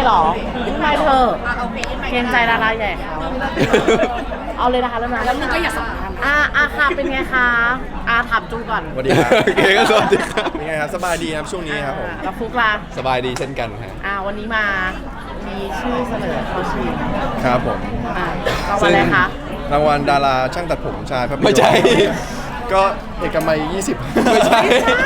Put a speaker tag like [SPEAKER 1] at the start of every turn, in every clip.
[SPEAKER 1] หรอไม่เธอเกรงใจดาราใหญ่เขาเอาเลยนะคะแล้วนะแล้วมึงก็อย่าสำคัญค่ะเป็นไงคะถามจูก่อน
[SPEAKER 2] สวัสดีครับ
[SPEAKER 3] โอเคก็สวัสดีครับ
[SPEAKER 2] เป็นไงครับสบายดีครับช่วงนี้ครับผม
[SPEAKER 1] แล้วฟุกล่ะ
[SPEAKER 3] สบายดีเช่นกันฮะ
[SPEAKER 1] วันนี้มามีชื่อเสนอเขาชิง
[SPEAKER 2] ครับผม
[SPEAKER 1] รางวัลอะไรคะ
[SPEAKER 2] รางวัลดาราช่างตัดผมชายภาพยนตร์
[SPEAKER 3] ไม่ใช่
[SPEAKER 2] ก็เอกมัย20
[SPEAKER 3] ไม่ใช่
[SPEAKER 1] ไม่ใช่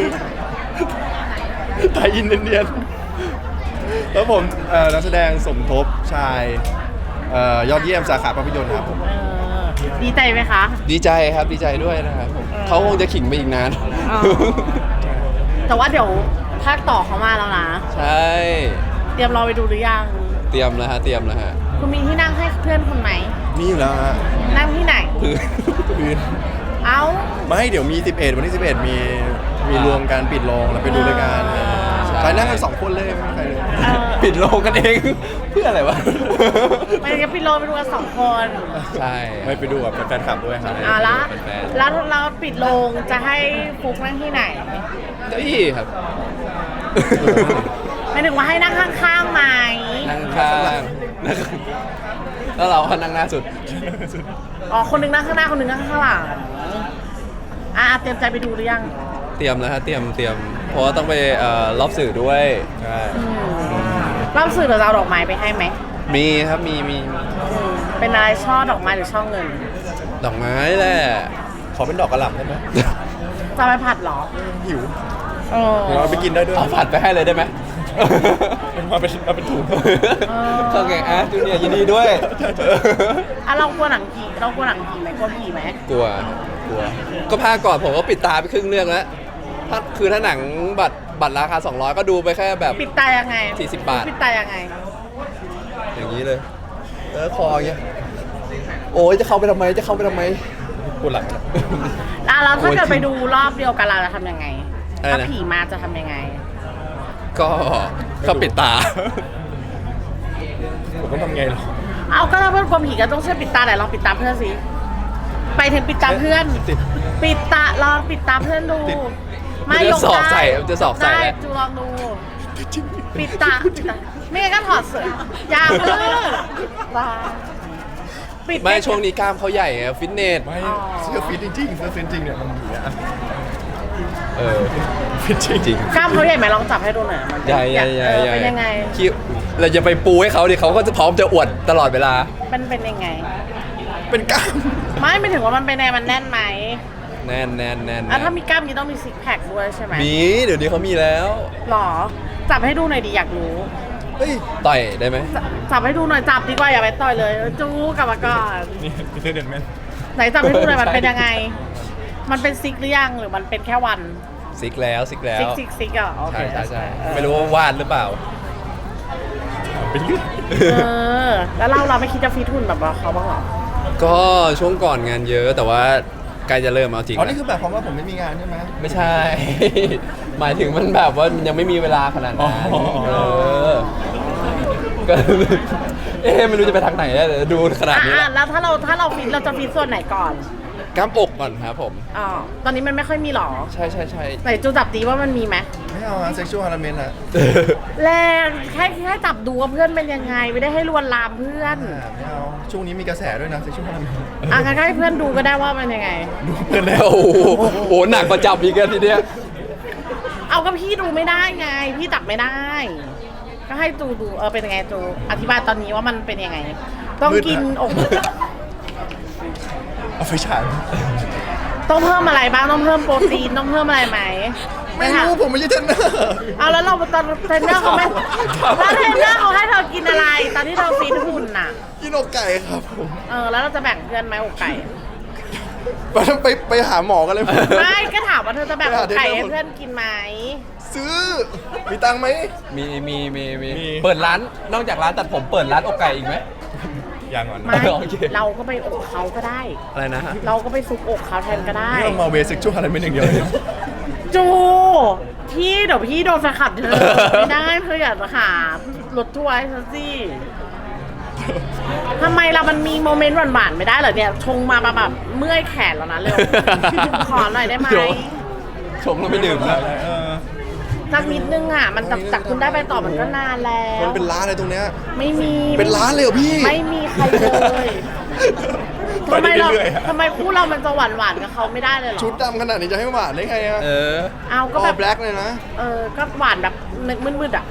[SPEAKER 2] ไทยอินเดียนแล้วผมนักแสดงสมทบชายยอดเยี่ยมสาขาภาพยนตร์ครับผม
[SPEAKER 1] ดีใจไหมคะ
[SPEAKER 3] ดีใจครับดีใจด้วยนะครับผมเขาคงจะขิงไปอีกนาน
[SPEAKER 1] แต่ว่าเดี๋ยวภาคต่อเขามาแล้วนะ
[SPEAKER 3] ใช่
[SPEAKER 1] เตรียมรอไปดูหรือยัง
[SPEAKER 3] เตรียมแล้วฮะเตรียมแล้วฮะ
[SPEAKER 1] คุณมีที่นั่งให้เพื่อนคุณไหม
[SPEAKER 2] มีอยู่แล้วฮะ
[SPEAKER 1] นั่งที่ไหน
[SPEAKER 2] พื้น
[SPEAKER 1] เอ้า
[SPEAKER 2] ไม่เดี๋ยวมี11วันที่11มีรวมการปิดโรงแล้วไปดูด้วยกัน
[SPEAKER 3] ใช่
[SPEAKER 2] ใครนั่งกัน2คนเลยไม่มีใครเลย
[SPEAKER 3] ปิดโรงกันเอง เพื่ออะไรวะ
[SPEAKER 1] ไปกันปิดโลไปดูกัน2 คน
[SPEAKER 3] ใช่
[SPEAKER 2] ไม่ไปดูกับแฟนคลับด้วยครับ
[SPEAKER 1] แล้วเราปิดโรงจะให้ฟุกนั่งที่ไหน
[SPEAKER 3] เก้าอี้ครับ
[SPEAKER 1] หมายถึงว่าให้นั่งข้างๆไหม
[SPEAKER 3] นั่งข้างแล้วเราก็นั่งหน้าสุด
[SPEAKER 1] คนหนึงนั่งข้างหน้าคนหนึงนั่งข้างหลังเตรียมใจไปดูหรือยัง
[SPEAKER 3] เตรียมแล้วฮะเตรียมเพราะว่าต้องไปรอบสื่อด้วย
[SPEAKER 2] ใช่
[SPEAKER 1] รอบสื่อเราจะเอาดอกไม้ไปให้ไหม
[SPEAKER 3] มีครับมี
[SPEAKER 1] เป็นอะไรช่อดอกไม้หรือช่อเงิน
[SPEAKER 3] ดอกไม้แหละ
[SPEAKER 2] ขอเป็นดอกกระหล่ำได้ไหม
[SPEAKER 1] จะไปผัดเหรอ
[SPEAKER 2] หิว
[SPEAKER 1] เออ
[SPEAKER 2] เราไปกินได้ด้วย
[SPEAKER 3] เอาผัดไปให้เลยได้ไหม
[SPEAKER 2] มาเป็นถุง
[SPEAKER 3] เข้าแกงจูเนียร์ยินดีด้วย
[SPEAKER 1] เรากลัวหนังผีไหมกลัวผีไหม
[SPEAKER 3] กลัวก็ภาคก่อนผมก็ปิดตาไปครึ่งเรื่องแล้วถ้าหนังบัตรราคา200ก็ดูไปแค่แบบ
[SPEAKER 1] ปิดตายังไง
[SPEAKER 3] 40 บาท
[SPEAKER 1] ปิดตายังไง
[SPEAKER 3] อย่างนี้เลยคออย่างเงี้ยโอ้ยจะเข้าไปทำไม
[SPEAKER 2] ปวดหลัง
[SPEAKER 1] แล้วถ้าเกิดไปดูรอบเดียวกันเราจะทำยังไง
[SPEAKER 3] อะไรนะ
[SPEAKER 1] ถ้าผีมาจะทำยังไง
[SPEAKER 3] ก็ปิดตา
[SPEAKER 2] ผมต้องทำไงหรอ
[SPEAKER 1] เอาก็ถ้าเพื่อนกลัวผีก็ต้องเชื่อปิดตาไหนลองปิดตาเพื่อนสิไปถึงปิดตาเพื่อน ปิดตาลองปิดตาเพื่อนดู
[SPEAKER 3] มันจะสอกใส่มันจะสอกใส่
[SPEAKER 1] ได้
[SPEAKER 3] แล้ว
[SPEAKER 1] จูลองดู ปิดตาไม่งั้นก็ถอดเสื้อยาวเพื่อปิด
[SPEAKER 3] ไม่ช่วงนี้กล้ามเขาใหญ่ไงฟิตเนส
[SPEAKER 2] ไม่เสื้อฟิตจริงๆเสื้อฟิตจริงเนี่ยมันอย่างเงี้ย ฟิตจ
[SPEAKER 3] จริง
[SPEAKER 1] กล้ามเขาใหญ่ไหมลองจับให้ดูหน่อยมัน
[SPEAKER 3] ใหญ่
[SPEAKER 1] เป็นยังไง
[SPEAKER 3] คิดเราจะไปปูให้เขาดิเขาก็จะพร้อมจะอวดตลอดเวลา
[SPEAKER 1] เป็นยังไง
[SPEAKER 2] เป็นกล้าม
[SPEAKER 1] ไม่ถึงว่ามันเป็นไงมันแน่นไหม
[SPEAKER 3] แน่น
[SPEAKER 1] ถ้ามีกล้ามนี้ต้องมีซิกแพคด้วยใช่ไหม
[SPEAKER 3] มีเดี๋ยวนี้เขามีแล้ว
[SPEAKER 1] หรอจับให้ดูหน่อยดิอยากรู้
[SPEAKER 2] เฮ้ย
[SPEAKER 3] ต่อยได้ไหม
[SPEAKER 1] จับให้ดูหน่อยจับดีกว่าอย่าไปต่อยเลยจู้กลับมาก่อน
[SPEAKER 2] นี่พีเตอร์เดนแมน
[SPEAKER 1] ไหนจับให้ดูหน่อยมันเป็นยังไง มันเป็นซิกหรือยังหรือมันเป็นแค่วัน
[SPEAKER 3] ซิกแล้ว
[SPEAKER 1] ซิกอ่ะโอเค
[SPEAKER 3] ใช่ไม่รู้ว่าวาดหรือเปล่า
[SPEAKER 2] เป็นยืด
[SPEAKER 1] แล้วเราไม่คิดจะฟิตหุ่นแบบเขาบ้างเหรอ
[SPEAKER 3] ก็ช่วงก่อนงานเยอะแต่ว่าใกล้จะเริ่มเอาจริง
[SPEAKER 2] อ๋อ
[SPEAKER 3] แล้ว
[SPEAKER 2] นี่คือแบบความว่าผมไม่มีงานใช่ไหม
[SPEAKER 3] ไม่ใช่ หมายถึงมันแบบว่ามันยังไม่มีเวลาขนาดนั้น
[SPEAKER 2] อ๋อ
[SPEAKER 3] ก็ ไม่รู้จะไปทางไหนแล้วเดี๋ยวดูขนาดนี้
[SPEAKER 1] แล้วถ้าเราฟิตเราจะฟิตส่วนไหนก่อน
[SPEAKER 3] กล้ามอกก่อนครับผม
[SPEAKER 1] ตอนนี้มันไม่ค่อยมีหรอ
[SPEAKER 3] ใช่
[SPEAKER 1] ไหนจูจับดีว่ามันมีไหม
[SPEAKER 2] ไม่เอาเซ็กชวลฮาร์เมนต์อะ
[SPEAKER 1] แรงแค่จับดูว่าเพื่อนเป็นยังไงไม่ได้ให้ลวนลามเพื่อน
[SPEAKER 2] ไม่เอาช่วงนี้มีกระแสด้วยนะเซ็กชวลฮาร์เมนต์
[SPEAKER 1] งั้นก็ให้เพื่อนดูก็ได้ว่ามันยังไง
[SPEAKER 2] ดูเพื่อนแล้ว
[SPEAKER 3] โอ้โหหนักกว่าจับอีกแล้วทีเนี้ย
[SPEAKER 1] เอาก็พี่ดูไม่ได้ไง พี่จับไม่ได้ ก็ให้จูดูเป็นยังไงจูอธิบายตอนนี้ว่ามันเป็นยังไง ต้องกินอก
[SPEAKER 2] เอาไฟฉาย
[SPEAKER 1] ต้องเพิ่มอะไรบ้างต้องเพิ่มโปรตีนต้องเพิ่มอะไรไหม
[SPEAKER 2] ไม่รู้ผมไม่ใช่เทรนเนอร์
[SPEAKER 1] เอาแล้วเราตอนเทรนเนอร์เขาไม่แล้วเทรนเนอร์เขาให้เธอกินอะไร ตอนที่เธอฟีดหุ่นน่ะ
[SPEAKER 2] กินอกไก่ครับผม
[SPEAKER 1] แล้วเราจะแบ่งเพื่อนไหมอกไก่
[SPEAKER 2] ไปหาหมอกันเลย
[SPEAKER 1] ไม่ก็ถามว่าเธอจะแบ่งอกไก่ให้เพื่อนกินไหม
[SPEAKER 2] ซื้อมีตังค์ไหม
[SPEAKER 3] มี
[SPEAKER 2] มี
[SPEAKER 3] เปิดร้านนอกจากร้านตัดผมเปิดร้านอกไก่อีกไหม
[SPEAKER 2] อย่างก่อน
[SPEAKER 1] ไม่
[SPEAKER 3] โอเค
[SPEAKER 1] เราก็ไปอกเขาก็ได้
[SPEAKER 3] อะไรนะฮะ
[SPEAKER 1] เราก็ไปซุกอกเขาแทนก็ได้
[SPEAKER 2] นี่เรามาเวเซ็กชวลฮาร์เมนต์อย่างเดียวเลย
[SPEAKER 1] จูพี่เดี๋ยวพี่โดนแฟนคลับเธอไม่ได้เธออยากจะหารถทัวร์ให้ฉันสิทำไมเรามันมีโมเมนต์หวานๆไม่ได้เหรอเนี่ยชงมาแบบเมื่อยแขนแล้วนะเร็ว ขอหน่อยได้ไหม
[SPEAKER 3] เดี๋ยว ชงแล้วไม่ดื่มนะ
[SPEAKER 2] เออ
[SPEAKER 1] สักนิดนึงอ่ะมันจากคุณได้ไปต่อมันก็นานแล้ว
[SPEAKER 2] มันเป็นร้านอะไรตรงเนี้ย
[SPEAKER 1] ไม่มี
[SPEAKER 2] เป็นร้านเลยเหรอพี่
[SPEAKER 1] ไม่มีใครเลยทำไมเรา
[SPEAKER 2] ไปเรื่อยๆอะ
[SPEAKER 1] ทำไมคู่เรามันจะหวานกับเขาไม่ได้เลยเหรอ
[SPEAKER 2] ชุดดำขนาดนี้จะให้หวานได้ไงอะ
[SPEAKER 1] เอาก็
[SPEAKER 2] ก็
[SPEAKER 1] แบ
[SPEAKER 2] แบบ บแบล็กเลยนะ
[SPEAKER 1] ก็หวานแบบมืดๆอ่ะ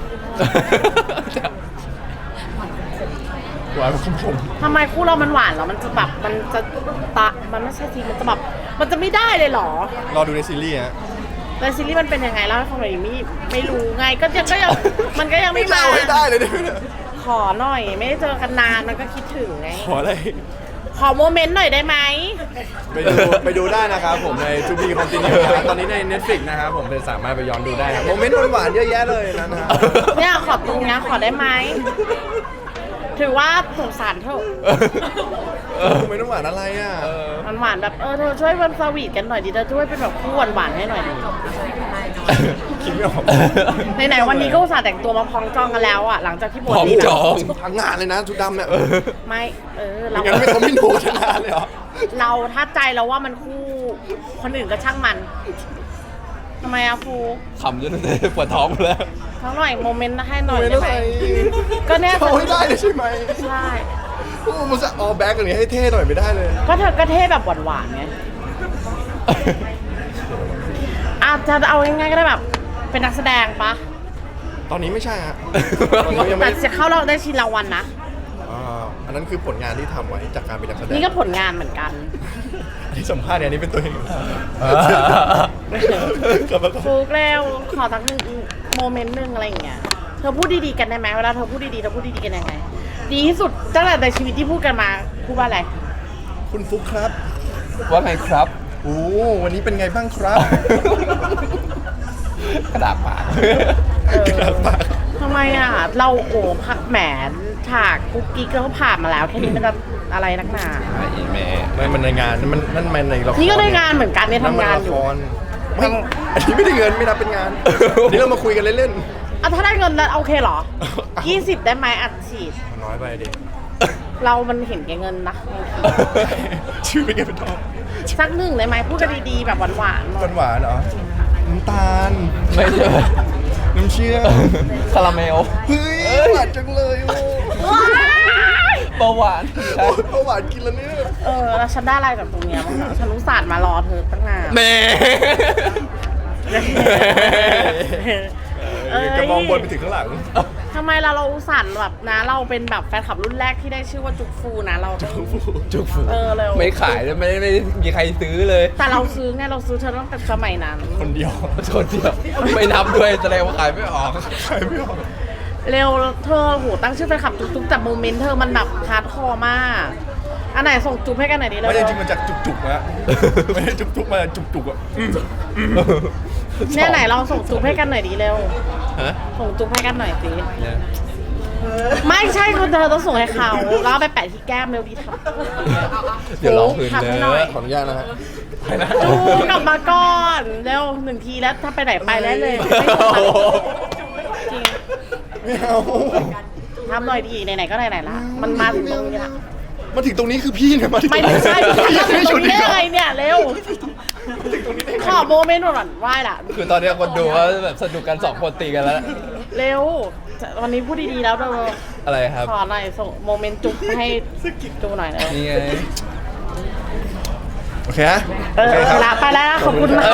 [SPEAKER 2] หวานของผม
[SPEAKER 1] ทำไมคู่เรามันหวานเหรอมันจะแบบมันจะมันไม่ใช่สิมันจะแบบมันจะไม่ได้เลยเหรอ
[SPEAKER 2] รอดูในซีรีส์ฮะ
[SPEAKER 1] แต่ซีรีส์มันเป็นยังไงเล่าให้ฟังหน่อยไม่รู้ไงก็ยังมันก็ยังไม่มา
[SPEAKER 2] เล่าให้ได้เลยเนี่ย
[SPEAKER 1] ขอหน่อยไม่ได้เจอกันนานมันก็คิดถึงไง
[SPEAKER 2] ขออะไร
[SPEAKER 1] ขอโมเมนต์หน่อยได้ไหม
[SPEAKER 2] ไปดูได้นะครับผมใน To Be Continue นะครับตอนนี้ใน Netflix นะครับผมเป็นสามารถไปย้อนดูได้ครับโมเมนต์หวานๆเยอะแยะเลยนะฮะ
[SPEAKER 1] เนี่ยขอตรงเนี้ยขอได้ไหมถือว่าสงสารเถอะ
[SPEAKER 2] โมเมนต์หวานอะไรอ่ะ
[SPEAKER 1] มันหวานแบบเธอช่วยวันสวีทกันหน่อยดิเธอช่วยเป็นแบบคู่หวานๆให้หน่อยดิ
[SPEAKER 2] คิดไม่ออก
[SPEAKER 1] ไหนๆวันนี้ก็อุตส่าห์แต่งตัวมาพองจองกันแล้วอ่ะหลังจากที่บวช
[SPEAKER 3] พอง
[SPEAKER 1] ดี
[SPEAKER 3] จอง
[SPEAKER 2] ทั้งงานเลยนะชุดดำเนี่ย
[SPEAKER 1] ไม่เรา
[SPEAKER 2] งั้นไม่เขาไม่ดูชนะเลยเหรอ
[SPEAKER 1] เราถ้าใจเราว่ามันคู่คนอื่นก็ช่างมันทำไมอะฟู
[SPEAKER 3] ขำจนปวดท้องแล้ว
[SPEAKER 1] ทั้งหน่อยโมเมนต์ให้หน่อย
[SPEAKER 2] โมเมนต์
[SPEAKER 1] ได้ไหม
[SPEAKER 2] อะไร
[SPEAKER 1] ก็เนี่ย
[SPEAKER 2] เขาให้ได้เลยใช่ไหม
[SPEAKER 1] ใช่
[SPEAKER 2] โอ้มันจะออแบ็กอย่างนี้ให้เท่หน่อยไม่ได้เลย
[SPEAKER 1] ก็เธอก็เท่แบบหวานๆไงอาจจะเอาง่ายๆก็ได้แบบเป็นนักแสดงปะ
[SPEAKER 2] ตอนนี้ไม่ใช่ฮะตอนนี้ยัง
[SPEAKER 1] แต่
[SPEAKER 2] ไม่
[SPEAKER 1] จะเข้าเราได้ชิงรางวัลนะ
[SPEAKER 2] อันนั้นคือผลงานที่ทำไว้จากการเป็นนักแสดง
[SPEAKER 1] นี่ก็ผลงานเหมือนกัน
[SPEAKER 2] อันนี้สัมภาษณ์เนี่ยอันนี้เป็นตัวเองครับ
[SPEAKER 1] ฟูกเร็วขอสักหนึ่งโมเมนต์หนึ่งอะไรอย่างเงี้ยเธอพูดดีๆกันได้ไหมเวลาเธอพูดดีๆเธอพูดดีๆกันยังไง ดีที่สุดตั้งแต่ในชีวิตที่พูดกันมาพูดว่าอะไร
[SPEAKER 2] คุณฟุกครับ
[SPEAKER 3] ว่าไงครับ
[SPEAKER 2] โอ้วันนี้เป็นไงบ้างครับ
[SPEAKER 3] กระดาษปาก
[SPEAKER 2] กระดาษปาก
[SPEAKER 1] ทำไมอ่ะเราโอ้พักแหมฉากกุ๊กกิ๊กเราก็ผ่านมาแล้วแค่นี้มันจะอะไรนักหนา
[SPEAKER 3] อีแม่
[SPEAKER 2] ไม่มันในงานนั่นมันในละคร
[SPEAKER 1] นี่ก็ได้งานเหมือนกันเนี่ยทำงานอยู่
[SPEAKER 2] ไม่อันนี้ไม่ได้เงินไม่นับเป็นงานอันนี้เรามาคุยกันเล่น
[SPEAKER 1] อ่ะถ้าได้เงินแล้วโอเคเหรอ 20 ได้ไหมอัดฉีด
[SPEAKER 2] ๆน้อยไปดิ
[SPEAKER 1] เรามันเห็นแก่เงินนะ
[SPEAKER 2] ชื่อเป็นไงเป็นทอง
[SPEAKER 1] สักหนึ่งได้ไหมพูดกันดีๆแบบหวานๆหน่อย
[SPEAKER 2] หวานๆเหรอน้ำตาล
[SPEAKER 3] ไม่ใช่
[SPEAKER 2] น้ำเชื่อม
[SPEAKER 3] คาราเมล
[SPEAKER 2] เฮ้ยหวานจังเลยโอ้
[SPEAKER 1] ว้าย
[SPEAKER 3] เบาหวานใช่
[SPEAKER 2] โอ้หวานกินแล้วเนี่ย
[SPEAKER 1] แล้วฉันได้อะไรจากตรงเนี้ยบ้างอะฉันรู้ศาสตร์มารอเธอตั้งนาน
[SPEAKER 3] แม่
[SPEAKER 2] จะมองบนไปถึงข้างหลัง
[SPEAKER 1] ทำไมเราอุตส่าห์แบบนะเราเป็นแบบแฟนคลับรุ่นแรกที่ได้ชื่อว่าจุกฟูนะเราต้อง
[SPEAKER 3] จุกฟู
[SPEAKER 1] เร็ว
[SPEAKER 3] ไม่ขายเลยไม่มีใครซื้อเลย
[SPEAKER 1] แต่เราซื้อไงเราซื้อเธอตั้งแต่สมัยนั้น
[SPEAKER 2] คนเดียว
[SPEAKER 3] ชนเดียวไม่นับด้วยแสดงว่าขายไม่ออก
[SPEAKER 2] ใครไม่ออก
[SPEAKER 1] เร็วเธอโหตั้งชื่อแฟนคลับจุกๆแต่โมเมนต์เธอมันแบบฮาร์ดคอร์มากอันไหนส่งจุ๊บให้กันหน่อยดิเลย
[SPEAKER 2] ไม่จริงๆมันจากจุกๆนะไม่ได้จุกๆมาจุกๆอ่ะ
[SPEAKER 1] เนี่ยไหนลองส่งจุ๊บให้กันหน่อยดิเร็ว
[SPEAKER 3] ฮะ
[SPEAKER 1] ส่งจุ๊บให้กันหน่อยสิ
[SPEAKER 3] เนี่ย
[SPEAKER 1] ไม่ใช่คุณเธอต้องส่งให้เขาแล้วเอาไปแปะที่แก้มเร็วดีทำ
[SPEAKER 3] เดี๋ยวลองคืน
[SPEAKER 1] ทำ
[SPEAKER 3] เล
[SPEAKER 1] ให้หน่อย
[SPEAKER 3] ย
[SPEAKER 2] ขออนุญาตนะฮะ
[SPEAKER 1] จูกลับมาก่อนเร็ว1 ทีแล้วถ้าไปไหนไปได้เลยไม่ต้องมาจริง
[SPEAKER 2] ไม่เอา
[SPEAKER 1] ทำหน่อยดีไหนๆก็ไหนๆละมันมาถึงตรงนี้ละ
[SPEAKER 2] มาถึงตรงนี้คือพี่เนี่ยมาถึง
[SPEAKER 1] ไม่ใช่พี่ทำถึงตรงนี้ได้
[SPEAKER 2] ไง
[SPEAKER 1] ไงเนี่ยเร็วขอโมเมนต์หน่อยไหว้ละ
[SPEAKER 3] คือตอนนี้คนดูว่าแบบสนุกกัน2 คนตีกันแล้ว
[SPEAKER 1] เร็ววันนี้พูดดีๆแล้วเร็ว
[SPEAKER 3] อะไรครับ
[SPEAKER 1] ขอหน่อยส่งโมเมนต์จุ๊บให้จูหน่อยเร็ว
[SPEAKER 3] นี่ไง
[SPEAKER 2] โอเคฮะ
[SPEAKER 1] ลาไปแล้วขอบคุณค่ะ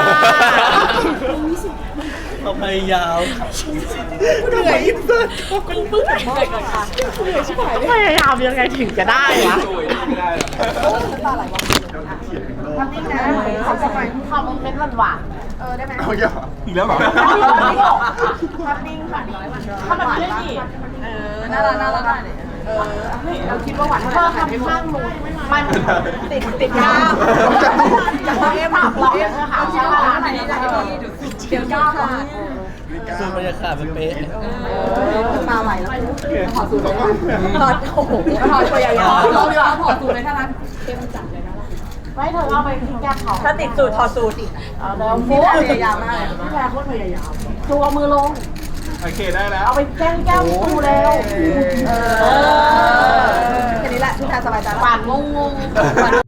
[SPEAKER 4] เอาพยายาม
[SPEAKER 1] พยายามยังไงถึงจะได้วะทำเป็นหวาน
[SPEAKER 2] เอาอย่าอีกแล้วเหรอ
[SPEAKER 1] ทำนิ่งค่ะทำแบบนี้ดิ
[SPEAKER 5] น่ารักน่ารักได้เลยเราคิดว่าหวาน
[SPEAKER 1] เธอทำข้างนู้นมัน
[SPEAKER 5] ติดกล้ามจากเราเอ็ม
[SPEAKER 1] เราเองเธอหาชื่อร้าน
[SPEAKER 5] ไหนจะให้พี่เดี๋ยวกล้ามค่ะ
[SPEAKER 4] สูตรบรรยากาศมันเป๊ะ
[SPEAKER 5] ตาไหลแล้วถอดสูตรถอดโอ้โหถอดพยายามเราดีกว่าถอดสูตรเลยถ้านั้นเข้มจัดเลยนะ
[SPEAKER 1] ไม่เธอเอาไปที่แก้มเขา
[SPEAKER 5] ถ้าติดสูตรถอดสูตรอีก
[SPEAKER 1] เอาแล้ว
[SPEAKER 5] พี่พยายามมากเลย
[SPEAKER 1] พี่แพรโคตรพยายามจูเอามือลง
[SPEAKER 2] โอเคได้แล้ว
[SPEAKER 1] เอาไปแก้มจูเร็ว
[SPEAKER 5] แค่นี้แหละพี่แพรสบายใจ
[SPEAKER 1] หวานงง